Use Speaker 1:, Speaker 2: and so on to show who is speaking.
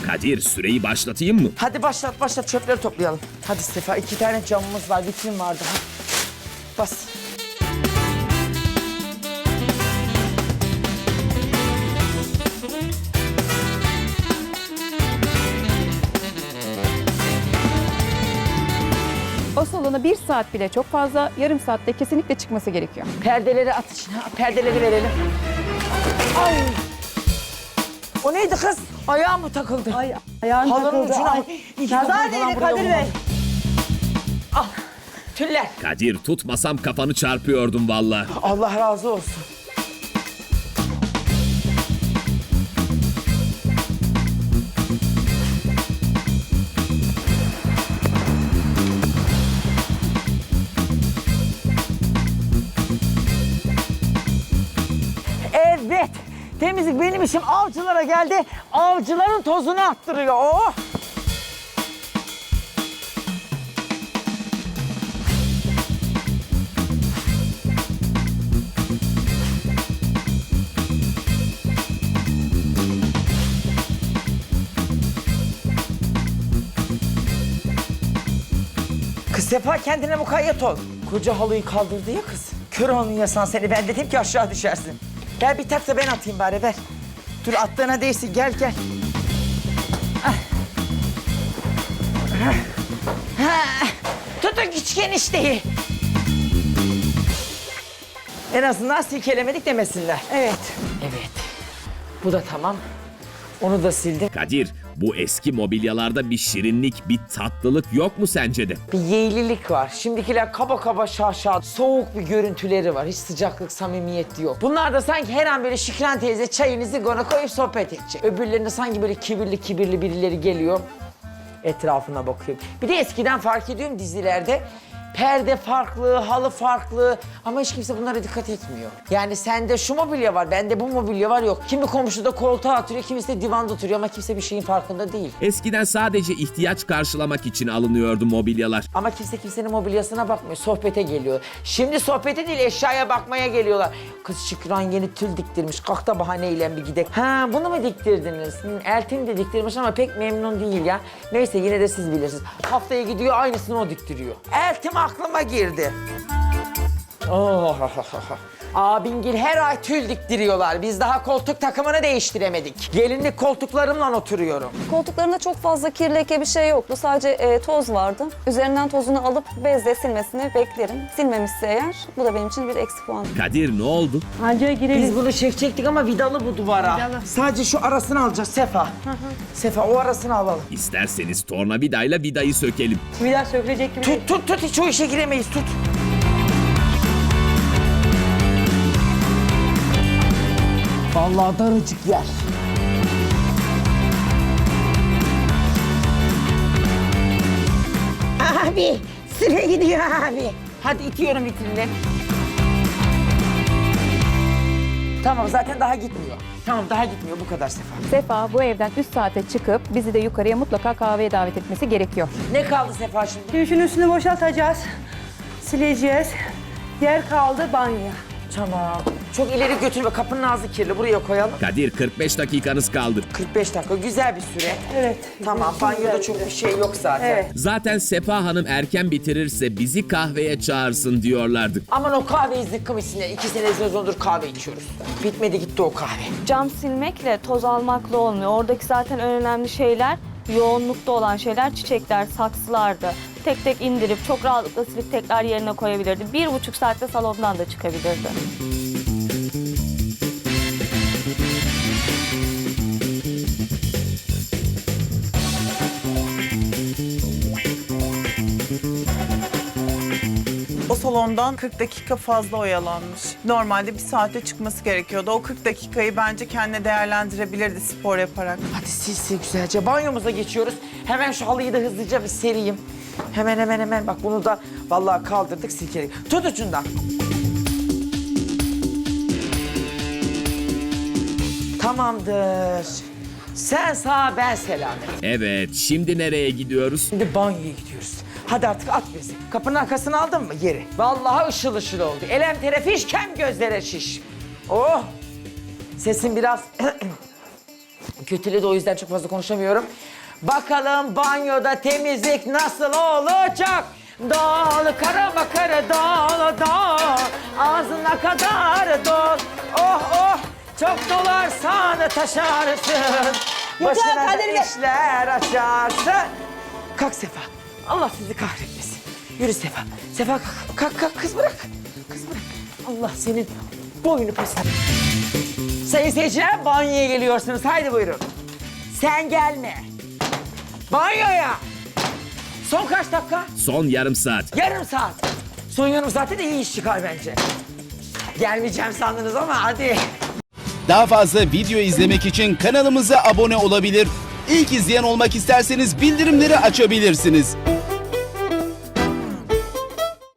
Speaker 1: Kadir, süreyi başlatayım mı?
Speaker 2: Hadi başlat çöpleri toplayalım. Hadi Sefa 2 tane camımız var, vitrin vardı. Hadi. Bas.
Speaker 3: O salona 1 saat bile çok fazla, yarım saatte kesinlikle çıkması gerekiyor.
Speaker 2: Perdeleri at içine. Perdeleri verelim. Ay. O neydi kız? Ayağım mı takıldı?
Speaker 4: Ay ayağın
Speaker 2: Halının
Speaker 4: takıldı.
Speaker 2: ucuna.
Speaker 4: Ay,
Speaker 2: İyi ki
Speaker 4: nazar
Speaker 2: kafamı falan
Speaker 4: değdi
Speaker 2: buraya
Speaker 4: Kadir Bey.
Speaker 2: vurmadım. Ah. Tüller.
Speaker 1: Kadir, tutmasam kafanı çarpıyordum vallahi.
Speaker 2: Allah razı olsun. Evet. Temizlik benim işim. Avcılara geldi. Avcıların tozunu attırıyor. Oh. Kız Sefa kendine mukayyet ol. Koca halıyı kaldırdı ya kız. Kör onun yasan seni. Ben dedim ki aşağı düşersin. Gel bir tak da ben atayım bari ver. Dur attığına değsin gel gel. Ah. Ah. Ah. Tutun küçük enişteyi. En azından silkelemedik demesinler.
Speaker 4: Evet.
Speaker 2: Evet. Bu da tamam. Onu da sildim.
Speaker 1: Kadir, bu eski mobilyalarda bir şirinlik, bir tatlılık yok mu sence de?
Speaker 2: Bir yeğlilik var. Şimdikiler kaba kaba şaşa, soğuk bir görüntüleri var. Hiç sıcaklık, samimiyet yok. Bunlar da sanki her an böyle Şükran teyze çayınızı gona koyup sohbet edecek. Öbürlerinde sanki böyle kibirli birileri geliyor. Etrafına bakıyor. Bir de eskiden fark ediyorum dizilerde. Perde farklı, halı farklı ama hiç kimse bunlara dikkat etmiyor. Yani sende şu mobilya var, bende bu mobilya var yok. Kimi komşu da koltuğa oturuyor, kimisi de divanda oturuyor ama kimse bir şeyin farkında değil.
Speaker 1: Eskiden sadece ihtiyaç karşılamak için alınıyordu mobilyalar.
Speaker 2: Ama kimse kimsenin mobilyasına bakmıyor, sohbete geliyor. Şimdi sohbete değil, eşyaya bakmaya geliyorlar. Kız Şükran yeni tül diktirmiş, kalk da bahaneyle bir gidek. Ha bunu mu diktirdiniz? Eltin de diktirmiş ama pek memnun değil ya. Neyse yine de siz bilirsiniz. Haftaya gidiyor aynısını o diktiriyor. Eltim aklıma girdi. Oh. Abingil her ay tül diktiriyorlar. Biz daha koltuk takımını değiştiremedik. Gelinlik koltuklarımla oturuyorum.
Speaker 5: Koltuklarında çok fazla kir leke bir şey yoktu. Sadece toz vardı. Üzerinden tozunu alıp bezle silmesini beklerim. Silmemişse eğer bu da benim için bir eksi puan.
Speaker 1: Kadir, ne oldu?
Speaker 4: Anca girelim.
Speaker 2: Biz bunu çekecektik ama vidalı bu duvara.
Speaker 4: Vidalı.
Speaker 2: Sadece şu arasını alacağız Sefa. Sefa o arasını alalım.
Speaker 1: İsterseniz tornavidayla vidayı sökelim.
Speaker 4: Bir daha sökülecek gibi değil.
Speaker 2: Tut hiç o işe giremeyiz tut. Vallahi daracık yer. Abi süre gidiyor abi. Hadi itiyorum vitrinle. Tamam zaten daha gitmiyor. Tamam daha gitmiyor bu kadar Sefa.
Speaker 3: Sefa bu evden 3 saate çıkıp bizi de yukarıya mutlaka kahveye davet etmesi gerekiyor.
Speaker 2: Ne kaldı Sefa şimdi?
Speaker 4: Şimdi şunun üstünü boşaltacağız. Sileceğiz. Yer kaldı banyo.
Speaker 2: Tamam. Çok ileri götürme kapının ağzı kirli buraya koyalım.
Speaker 1: Kadir, 45 dakikanız kaldı.
Speaker 2: 45 dakika güzel bir süre.
Speaker 4: Evet.
Speaker 2: Tamam banyoda çok bir şey yok zaten.
Speaker 4: Evet.
Speaker 1: Zaten Sefa Hanım erken bitirirse bizi kahveye çağırsın diyorlardı.
Speaker 2: Aman o kahveyi zıkkım içsinler. 2 sene sezondur kahve içiyoruz. Bitmedi gitti o kahve.
Speaker 6: Cam silmekle, toz almakla olmuyor. Oradaki zaten en önemli şeyler, yoğunlukta olan şeyler çiçekler, saksılardı. Tek tek indirip çok rahatlıkla silip tekrar yerine koyabilirdi. 1,5 saatte salondan da çıkabilirdi.
Speaker 7: O salondan 40 dakika fazla oyalanmış. Normalde 1 saate çıkması gerekiyordu. O 40 dakikayı bence kendine değerlendirebilirdi spor yaparak.
Speaker 2: Hadi sil sil güzelce. Banyomuza geçiyoruz. Hemen şu halıyı da hızlıca bir sereyim. Hemen. Bak bunu da vallahi kaldırdık silkeledik. Tut ucundan. Tamamdır. Sen sağ ben selamet.
Speaker 1: Evet, şimdi nereye gidiyoruz?
Speaker 2: Şimdi banyoya gidiyoruz. Hadi artık at bizi. Kapının arkasını aldın mı yeri? Vallahi ışıl ışıl oldu. Elem terefiş kem gözlere şiş. Oh! Sesin biraz Kötüledi, o yüzden çok fazla konuşamıyorum. Bakalım banyoda temizlik nasıl olacak? Dol kara kara dol dol, ağzına kadar dol. Oh oh, çok dolarsan taşarsın, başına da
Speaker 4: Kadir Bey.
Speaker 2: işler açarsın. Kalk Sefa, Allah sizi kahretmesin. Yürü Sefa, Sefa kalk kız bırak. Kız bırak, Allah senin boynu posunu. Sayın seyirciler, banyoya geliyorsunuz, haydi buyurun. Sen gelme. Banyoya. Son kaç dakika?
Speaker 1: Son yarım saat.
Speaker 2: Yarım saat. Son yarım saatte de iyi iş çıkar bence. Gelmeyeceğim sandınız ama hadi.
Speaker 8: Daha fazla video izlemek için kanalımıza abone olabilir. İlk izleyen olmak isterseniz bildirimleri açabilirsiniz.